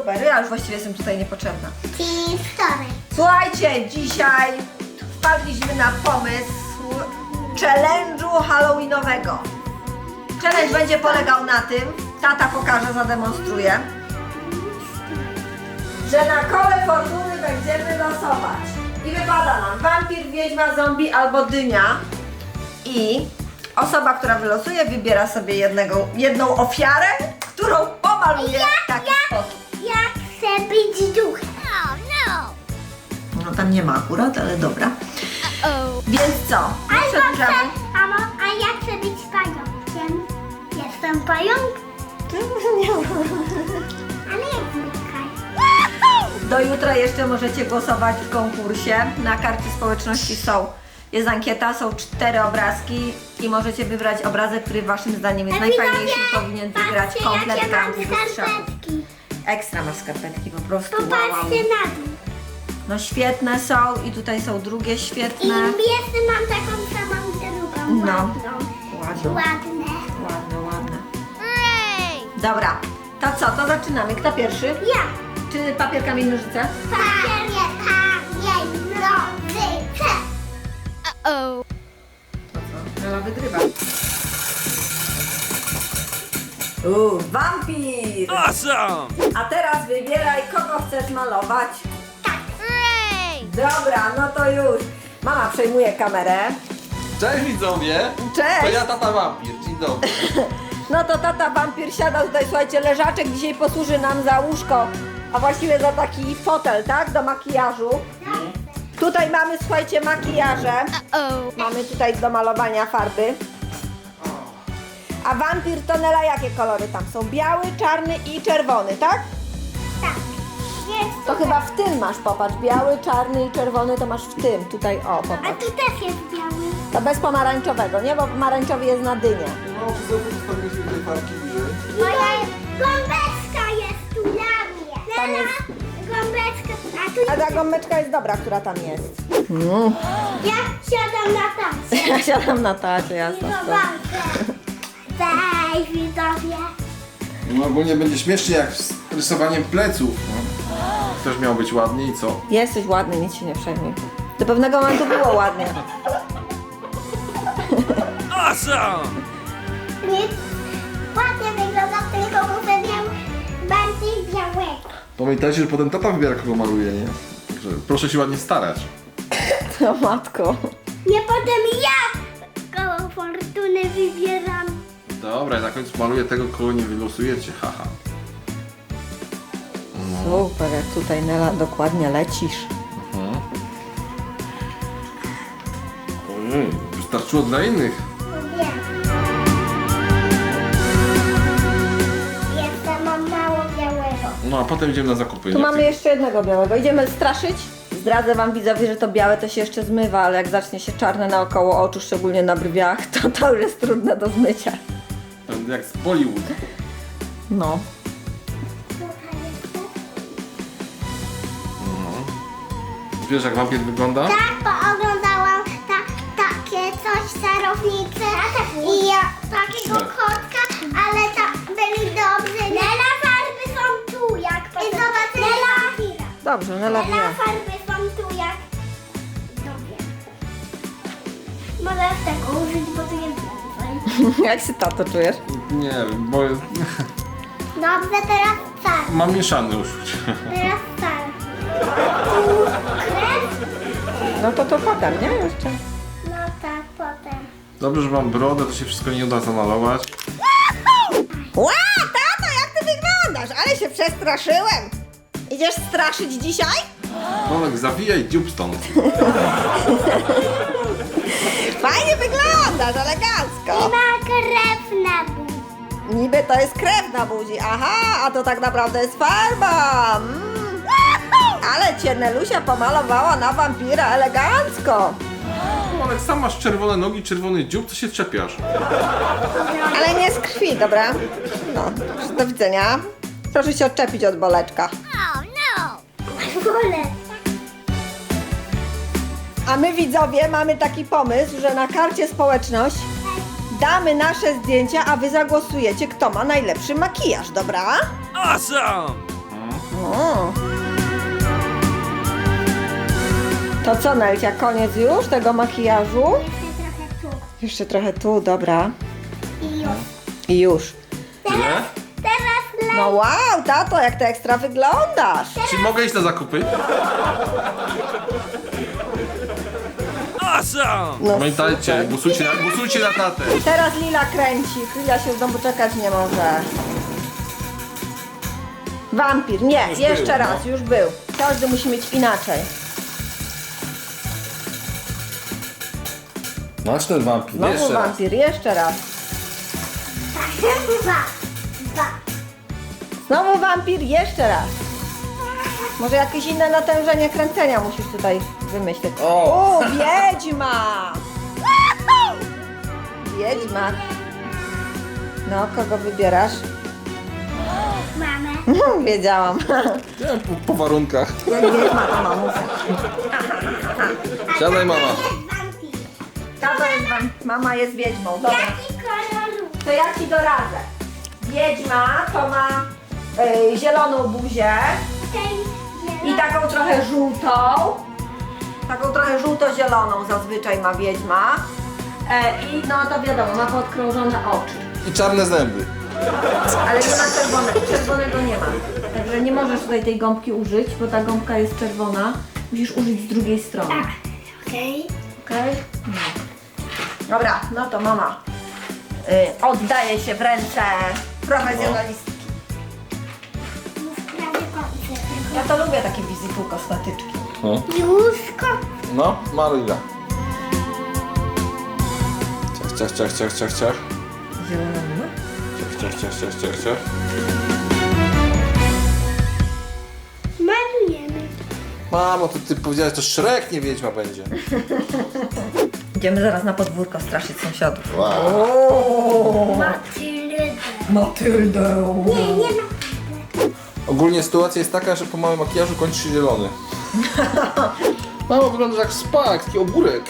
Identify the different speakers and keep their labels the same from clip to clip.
Speaker 1: Super, ja już właściwie jestem tutaj niepotrzebna.
Speaker 2: Czyli wtorek.
Speaker 1: Słuchajcie, dzisiaj wpadliśmy na pomysł challenge'u halloweenowego. Challenge będzie polegał na tym, tata pokaże, zademonstruje, że na kole fortuny będziemy losować. I wypada nam wampir, wiedźma, zombie albo dynia. I osoba, która wylosuje, wybiera sobie jedną ofiarę, którą pomaluje w taki sposób.
Speaker 2: Ja chcę być duchem.
Speaker 1: No tam nie ma akurat, ale dobra. Więc co? Przedłużamy.
Speaker 2: A ja chcę być pająkiem. Jestem pająk, ale jak zwykle.
Speaker 1: Do jutra jeszcze możecie głosować w konkursie. Na karcie społeczności jest ankieta, są 4 obrazki i możecie wybrać obrazek, który waszym zdaniem jest najfajniejszy i powinien wygrać komplet Kampi do strzału.
Speaker 2: skarpetki.
Speaker 1: Ekstra masz skarpetki, po prostu wow.
Speaker 2: Popatrzcie na dół.
Speaker 1: No świetne są i tutaj są drugie
Speaker 2: I
Speaker 1: świetne.
Speaker 2: jeszcze mam taką samą drugą.
Speaker 1: No.
Speaker 2: Ładną.
Speaker 1: Ładne,
Speaker 2: Ładne.
Speaker 1: ładne. Dobra, to co, to zaczynamy. Kto pierwszy?
Speaker 2: Ja.
Speaker 1: Czy papier, kamień, nożyce?
Speaker 2: Papier, kamień, nożyce.
Speaker 1: To co? Nela wygrywa. Wampir!
Speaker 3: Awesome!
Speaker 1: A teraz wybieraj, kogo chcesz malować. Dobra, no to już. Mama przejmuje kamerę.
Speaker 3: Cześć widzowie!
Speaker 1: Cześć!
Speaker 3: To ja tata wampir, dzień dobry.
Speaker 1: No to tata wampir siada tutaj, słuchajcie, leżaczek dzisiaj posłuży nam za łóżko, a właściwie za taki fotel, tak? Do makijażu. Tutaj mamy, słuchajcie, makijaże. Mamy tutaj do malowania farby. A wampir to Nela, jakie kolory tam są? Biały, czarny i czerwony, tak?
Speaker 2: Tak. Jest
Speaker 1: To chyba w tym masz, popatrz. Biały, czarny i czerwony to masz w tym. Tutaj, o,
Speaker 2: A
Speaker 1: popatrz.
Speaker 2: tu też jest biały.
Speaker 1: To bez pomarańczowego, nie? Bo pomarańczowy jest na dynię.
Speaker 3: No, postawiliśmy tej farki bliżej.
Speaker 2: Moja gąbeczka jest tu dla mnie.
Speaker 1: Tam
Speaker 2: Lena,
Speaker 1: jest-
Speaker 2: gąbeczka. A tu
Speaker 1: A ta gąbeczka jest dobra, która tam jest.
Speaker 2: ja siadam na tacie.
Speaker 1: Ja siadam na tacie,
Speaker 2: I
Speaker 1: jasno.
Speaker 2: zobaczę. Cześć widzowie.
Speaker 3: No ogólnie będzie śmiesznie jak z rysowaniem pleców. No. Też miał być ładnie i co?
Speaker 1: Jesteś ładny, nic się nie przejmuj. Do pewnego momentu było ładnie.
Speaker 3: Awesome!
Speaker 2: Nic. Ładnie wygląda, tylko muszę miał bardziej białego.
Speaker 3: Pamiętajcie, że potem tata wybiera kogo maluje, nie? Że proszę się ładnie starać.
Speaker 1: O matko.
Speaker 2: Nie potem ja koło fortuny wybieram.
Speaker 3: Dobra, ja na końcu maluję tego, kogo nie wylosujecie, haha.
Speaker 1: Super, jak tutaj Nela dokładnie lecisz.
Speaker 3: Ojej, wystarczyło dla innych.
Speaker 2: Wiem. Jeszcze mam mało białego.
Speaker 3: No a potem idziemy na zakupy.
Speaker 1: Tu
Speaker 3: nie?
Speaker 1: mamy jeszcze jednego białego. Idziemy straszyć? Zdradzę wam widzowie, że to białe to się jeszcze zmywa, ale jak zacznie się czarne naokoło oczu, szczególnie na brwiach, to już jest trudne do zmycia.
Speaker 3: Jak z Bollywood.
Speaker 1: No.
Speaker 2: Tutaj jeszcze.
Speaker 3: Wiesz jak wampir wygląda?
Speaker 2: Tak, bo oglądałam takie coś, czarownice i ja, takiego
Speaker 3: Tak.
Speaker 2: kotka, ale byli dobrzy. Nela, farby są tu, jak i zobacz, Nela,
Speaker 1: Dobrze, Nela wie.
Speaker 2: Nela, farby są tu, jak dobrze. Możesz tego użyć, bo tu jest więcej.
Speaker 1: Jak się tato czujesz?
Speaker 3: Nie wiem, bo jest...
Speaker 2: Dobrze, teraz czarny.
Speaker 3: mam mieszane uczucie.
Speaker 2: Teraz czarny. Tu krew?
Speaker 1: No to potem, nie? Jeszcze.
Speaker 2: No tak, potem.
Speaker 3: Dobrze, że mam brodę, to się wszystko nie uda zamalować.
Speaker 1: Ła, tato, jak ty wyglądasz? Ale się przestraszyłem. Idziesz straszyć dzisiaj?
Speaker 3: Bolek, zawijaj dziób stąd.
Speaker 1: Fajnie wyglądasz, elegancko.
Speaker 2: Ma krew na buzi.
Speaker 1: Niby to jest krew na buzi, aha, a to tak naprawdę jest farba. Ale cię Nelusia pomalowała na wampira elegancko.
Speaker 3: Bolek, sam masz czerwone nogi, czerwony dziób, to się czepiasz.
Speaker 1: Ale nie z krwi, dobra? No, do widzenia. Proszę się odczepić od boleczka.
Speaker 2: Wolę.
Speaker 1: A my widzowie mamy taki pomysł, że na karcie społeczność damy nasze zdjęcia, a wy zagłosujecie, kto ma najlepszy makijaż, dobra?
Speaker 3: Awesome!
Speaker 1: O. To co, Nelcia, koniec już tego makijażu?
Speaker 2: Jeszcze trochę tu.
Speaker 1: Jeszcze trochę tu, dobra.
Speaker 2: I już.
Speaker 1: I już.
Speaker 3: Tyle?
Speaker 2: Teraz
Speaker 1: No wow, tato, jak ty ekstra wyglądasz.
Speaker 3: Czy mogę iść na zakupy?
Speaker 1: No,
Speaker 3: Pamiętajcie,
Speaker 1: super.
Speaker 3: głosujcie na tatę.
Speaker 1: Teraz Lila kręci. Lila się znowu czekać nie może. Wampir. Nie,
Speaker 3: Już
Speaker 1: jeszcze
Speaker 3: był,
Speaker 1: raz, już był. Każdy musi mieć inaczej.
Speaker 3: Masz ten wampir,
Speaker 1: Znowu
Speaker 3: jeszcze raz.
Speaker 1: wampir, jeszcze raz.
Speaker 2: dwa.
Speaker 1: Znowu wampir, jeszcze raz. Może jakieś inne natężenie kręcenia musisz tutaj wymyślić.
Speaker 3: O!
Speaker 1: Wiedźma! Wiedźma. No, kogo wybierasz?
Speaker 2: Mamy.
Speaker 1: Wiedziałam.
Speaker 3: Ja po warunkach.
Speaker 1: Jak wiedźma to mamusia.
Speaker 3: Siadaj, mama.
Speaker 2: Jest wampir.
Speaker 1: Tato jest mama jest wiedźmą. Dobra.
Speaker 2: Jaki kolor?
Speaker 1: To ja ci doradzę. Wiedźma to ma zieloną buzię i taką trochę żółtą. Taką trochę żółto-zieloną zazwyczaj ma wiedźma. I no to wiadomo, ma podkrążone oczy.
Speaker 3: I czarne zęby.
Speaker 1: Ale nie ma czerwonego nie ma. Także nie możesz tutaj tej gąbki użyć, bo ta gąbka jest czerwona. Musisz użyć z drugiej strony.
Speaker 2: Okej.
Speaker 1: Okej? No. Dobra, no to mama oddaje się w ręce profesjonalistki.
Speaker 2: Już prawie kończę.
Speaker 1: Ja to lubię takie wizytu kosmetyczki.
Speaker 3: No,
Speaker 2: Józko.
Speaker 3: no Maryla. Ciach, ciach, ciach, ciach, ciach, ciach.
Speaker 1: Zielony.
Speaker 3: Ciach, ciach, ciach, ciach, ciach.
Speaker 2: Malujemy.
Speaker 3: Mamo, to ty powiedziałeś, to Shrek, nie wiedźma będzie.
Speaker 1: Idziemy zaraz na podwórko straszyć sąsiadów.
Speaker 3: Wow.
Speaker 2: Matyldę.
Speaker 1: Matyldę.
Speaker 2: Nie, nie ma.
Speaker 3: Ogólnie sytuacja jest taka, że po małym makijażu kończy się zielony. Mamo, wyglądasz jak spak, taki ogórek.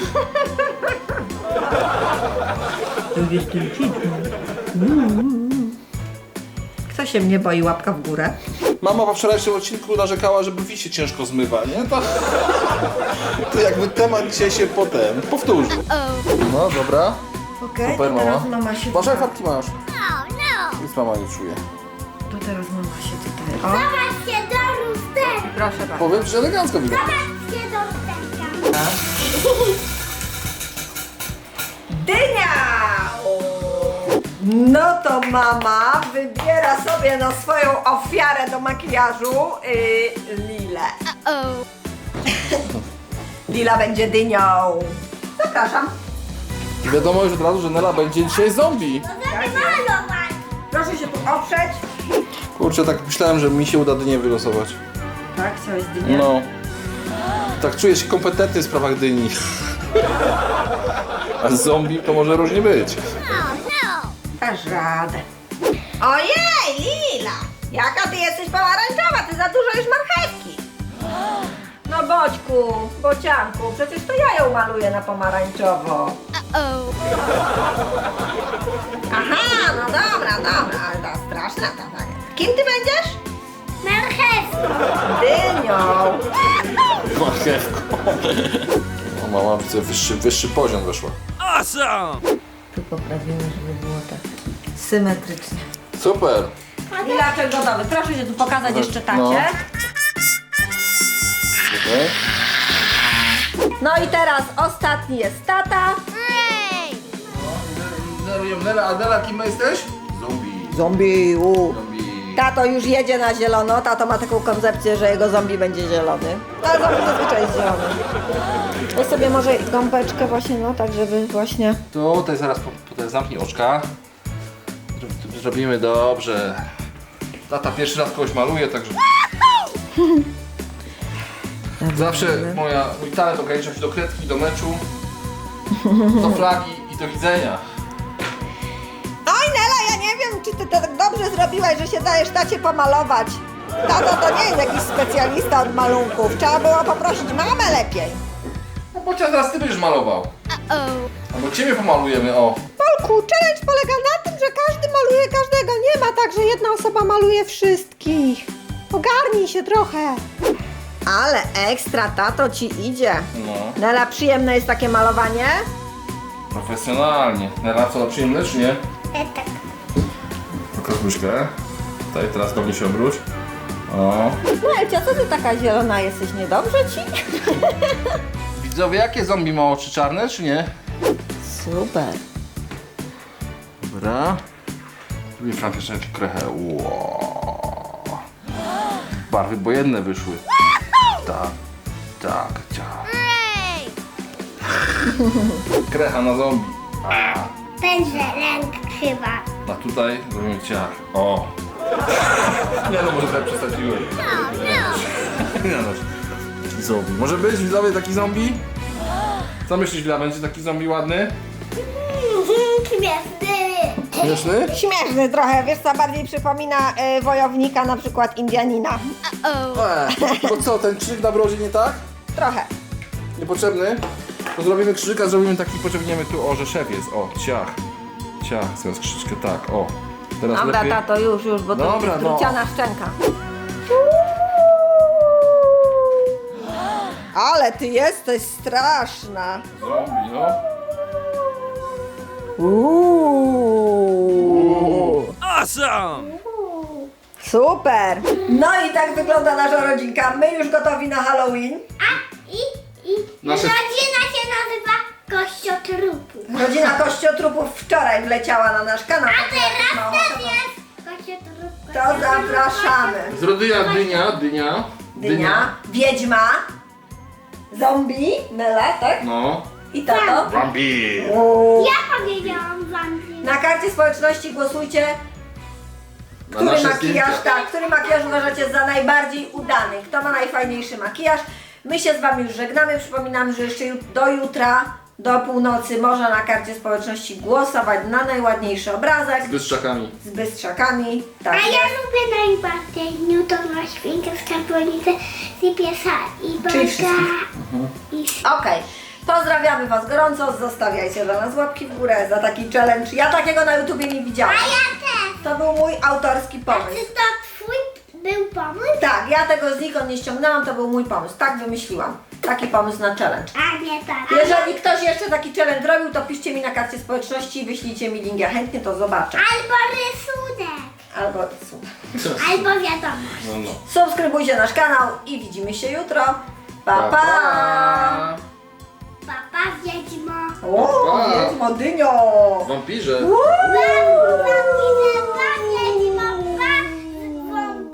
Speaker 1: Kto się mnie boi? Łapka w górę.
Speaker 3: Mama po wczorajszym odcinku narzekała, że brwi się ciężko zmywa, nie? To jakby temat dzisiaj się potem powtórzył. No dobra.
Speaker 1: Okej,
Speaker 3: Super,
Speaker 1: to teraz
Speaker 3: mama.
Speaker 1: mama się
Speaker 3: Masz jak
Speaker 1: tutaj...
Speaker 3: fabki masz? Nic mama nie czuje.
Speaker 1: To teraz mama się tutaj... O,
Speaker 2: Zobaczcie do lusterka.
Speaker 1: proszę bardzo.
Speaker 3: Powiem, że elegancko wygląda.
Speaker 2: Zobaczcie do lusterka.
Speaker 1: Dynia! No to mama wybiera sobie na swoją ofiarę do makijażu Lilę. Lila będzie dynią. Zapraszam.
Speaker 3: Wiadomo już od razu, że Nela będzie dzisiaj zombie.
Speaker 2: Możemy malować.
Speaker 1: Proszę się tu oprzeć.
Speaker 3: Kurczę, tak myślałem, że mi się uda dynię wylosować.
Speaker 1: Tak, chciałeś dynię?
Speaker 3: No. Tak czuję się kompetentny w sprawach dyni. A z zombie to może różnie być.
Speaker 1: Dasz radę. Ojej, Lila! Jaka ty jesteś pomarańczowa, ty za dużo już marchewki. No Boćku, Bocianku, przecież to ja ją maluję na pomarańczowo. Aha, no dobra, ale to straszna ta tak. Kim ty będziesz?
Speaker 2: Marchewką.
Speaker 1: Dynią.
Speaker 3: Marchewką. O, mama widzę, wyższy poziom weszła.
Speaker 1: Tu poprawimy, żeby było tak symetrycznie.
Speaker 3: Super.
Speaker 1: Lilaczek gotowy. Proszę się tu pokazać jeszcze tacie.
Speaker 3: No. Okay.
Speaker 1: No i teraz ostatni jest tata.
Speaker 3: Nela, a Nela kim jesteś? Zombie.
Speaker 1: Zombie.
Speaker 3: Zombie.
Speaker 1: Tato już jedzie na zielono. Tato ma taką koncepcję, że jego zombie będzie zielony. Ale zombie zazwyczaj jest zielony. Weź sobie może gąbeczkę właśnie, no tak, żeby właśnie...
Speaker 3: Tutaj zaraz potem zamknij oczka. Zrobimy dobrze. Tata pierwszy raz kogoś maluje, także... Zawsze mój talent ogranicza się do kredki, do meczu, do flagi i do widzenia.
Speaker 1: Oj Nela, ja nie wiem, czy ty to tak dobrze zrobiłaś, że się dajesz tacie pomalować. Tato to nie jest jakiś specjalista od malunków. Trzeba było poprosić mamę lepiej.
Speaker 3: No bo teraz ty będziesz malował. Albo ciebie pomalujemy, o.
Speaker 1: Polku, challenge polega na tym, że każdy maluje każdego. Nie ma tak, że jedna osoba maluje wszystkich. Ogarnij się trochę. Ale ekstra, tato ci idzie.
Speaker 3: No,
Speaker 1: Nela, przyjemne jest takie malowanie?
Speaker 3: profesjonalnie. Nela, co, przyjemne czy nie?
Speaker 2: Tak.
Speaker 3: Pokaż łyżkę. Tutaj, teraz do mnie się obróć. O.
Speaker 1: No Elcia, co ty taka zielona jesteś? Niedobrze ci?
Speaker 3: Widzowie, jakie zombie ma oczy czarne, czy nie?
Speaker 1: Super.
Speaker 3: Dobra. Zrobię Frank jeszcze krechę. Wow. Barwy bojenne wyszły. Tak, tak, tak. Krecha na zombie. A,
Speaker 2: Będzie ręk chyba.
Speaker 3: a tutaj zrobimy ciach. O. Nie no, może trochę przesadziłem. Nie no. Taki zombie. Może być widzowie taki zombie? Co myślisz, Wila, będzie taki zombie ładny?
Speaker 2: Śmieszny.
Speaker 3: Śmieszny?
Speaker 1: Śmieszny trochę, wiesz co, bardziej przypomina wojownika, na przykład Indianina.
Speaker 3: To co, ten krzyk na brodzie nie tak?
Speaker 1: Trochę.
Speaker 3: Niepotrzebny? To zrobimy krzyżyka, zrobimy taki, pociągniemy tu, o, że szef jest, o, ciach. Ciach, teraz krzyczkę, tak, o. Teraz
Speaker 1: Dobra,
Speaker 3: lepiej.
Speaker 1: tato, już, bo to
Speaker 3: Dobra,
Speaker 1: jest
Speaker 3: no.
Speaker 1: druciana szczęka. Ale ty jesteś straszna.
Speaker 3: Zombie, no.
Speaker 1: Super. No i tak wygląda nasza rodzinka. My już gotowi na Halloween.
Speaker 2: I
Speaker 3: Nasze-
Speaker 2: rodzina się nazywa Kościotrupu.
Speaker 1: Rodzina Kościotrupów wczoraj wleciała na nasz kanał.
Speaker 2: A teraz
Speaker 1: No,
Speaker 2: też jest Kościotrup.
Speaker 1: to zapraszamy.
Speaker 3: Z rodyja dynia.
Speaker 1: Dynia, wiedźma, zombie, Nela, tak?
Speaker 3: No.
Speaker 1: I tato.
Speaker 3: Wampir.
Speaker 2: Ja powiedziałam wam.
Speaker 1: Na karcie społeczności głosujcie,
Speaker 3: Na
Speaker 1: który
Speaker 3: nasze
Speaker 1: makijaż,
Speaker 3: zdjęcia.
Speaker 1: tak, który makijaż uważacie za najbardziej udany, kto ma najfajniejszy makijaż. My się z wami już żegnamy, przypominam, że jeszcze do jutra, do północy można na karcie społeczności głosować na najładniejszy obrazek
Speaker 3: Z bystrzakami.
Speaker 1: z bystrzakami. Tak
Speaker 2: A ja
Speaker 1: jest.
Speaker 2: lubię najbardziej Newtona Świnkę w Skarbonicy i piesa i
Speaker 1: Czyli
Speaker 2: baga.
Speaker 1: wszystkich.
Speaker 2: I
Speaker 1: Okej. Pozdrawiamy was gorąco, zostawiajcie dla nas łapki w górę za taki challenge. Ja takiego na YouTubie nie widziałam.
Speaker 2: A ja też.
Speaker 1: To był mój autorski
Speaker 2: Czy
Speaker 1: pomysł.
Speaker 2: to twój był pomysł?
Speaker 1: Tak, ja tego znikąd nie ściągnęłam, to był mój pomysł. Tak wymyśliłam. Taki pomysł na challenge.
Speaker 2: A nie tak.
Speaker 1: Jeżeli ktoś jeszcze taki challenge robił, to piszcie mi na karcie społeczności i wyślijcie mi link. Ja chętnie to zobaczę.
Speaker 2: Albo rysunek.
Speaker 1: Albo
Speaker 2: Albo wiadomość.
Speaker 3: No, no.
Speaker 1: subskrybujcie nasz kanał i widzimy się jutro. Pa, pa!
Speaker 2: Papa wiedźmo.
Speaker 1: O,
Speaker 3: Pa.
Speaker 1: jest Modynio!
Speaker 3: Wampirze.
Speaker 1: Uuu.